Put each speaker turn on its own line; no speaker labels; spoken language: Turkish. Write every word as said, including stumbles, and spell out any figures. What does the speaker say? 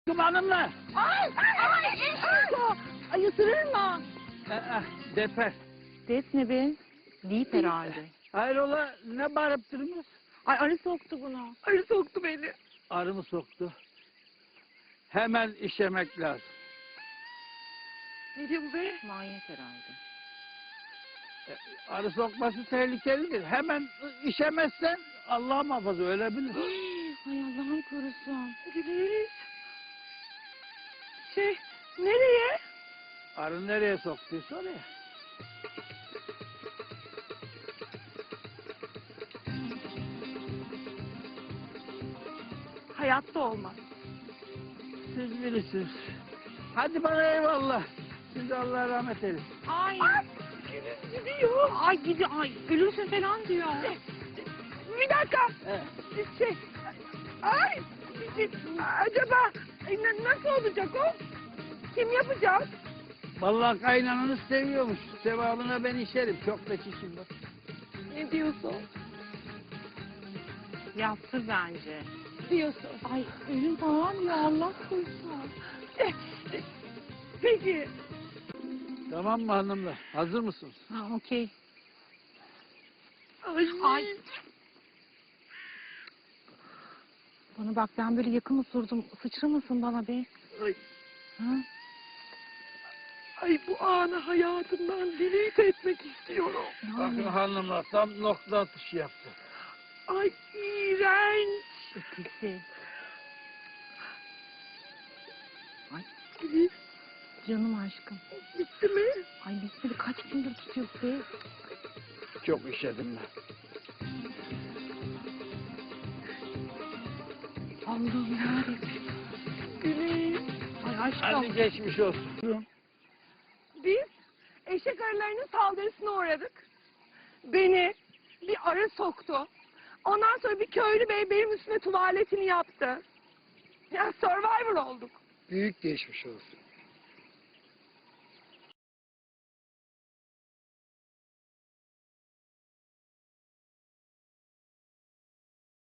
Hanımla.
Ay, ay, ay, ay, ısırır mı?
Aa, deper.
Def ne be? Deyip herhalde.
Hayrola ne bağırıp durmuş?
Ay arı soktu bunu.
Arı soktu beni.
Arı mı soktu? Hemen işemek lazım.
Ne diyor bu be?
Manyet herhalde.
E, Arı sokması tehlikelidir. Hemen işemezsen Allah muhafaza ölebilir.
Ay Allah'ım korusun.
Gideriz. Şey, nereye?
Arı nereye soktuysa oraya.
Hayatta olmaz.
Siz bilirsiniz. Hadi bana eyvallah. Siz Allah rahmet eylesin.
Ay.
Ay, gidiyor.
Ay gidiyor. Ay ölürsün falan diyor.
Bir dakika.
Evet.
Şey, ay, acaba e, na- nasıl olacak o? Kim yapacak?
Vallahi kaynananız seviyormuş. Sevabına ben işerim. Çok da çişim var.
Ne diyorsun?
Yaptı bence.
Diyorsun.
Ay ölüm falan ya Allah korusun.
Peki.
Tamam mı hanımlar? Hazır mısınız?
Ha okey.
Ay.
Ay. Bana bak ben böyle yakın osurdum. Sıçramasın bana be.
Ay.
Ha?
Ay, bu anı hayatımdan delete etmek istiyorum.
Bakın
Yani.
hanımlar tam nokta atışı yaptı.
Ay, iğrenç.
Ötesi. Ay
Elif,
canım aşkım.
bitti mi?
Ay bitmedi kaç gündür tutuyor be.
Çok işedim ben.
Allah'ım yarabbim.
Güneş.
Ay aşkım.
Hadi geçmiş olsun.
Biz eşek arılarının saldırısına uğradık. Beni bir arı soktu. Ondan sonra bir köylü bey benim üstüme tuvaletini yaptı. Ya Survivor olduk.
Büyük geçmiş olsun.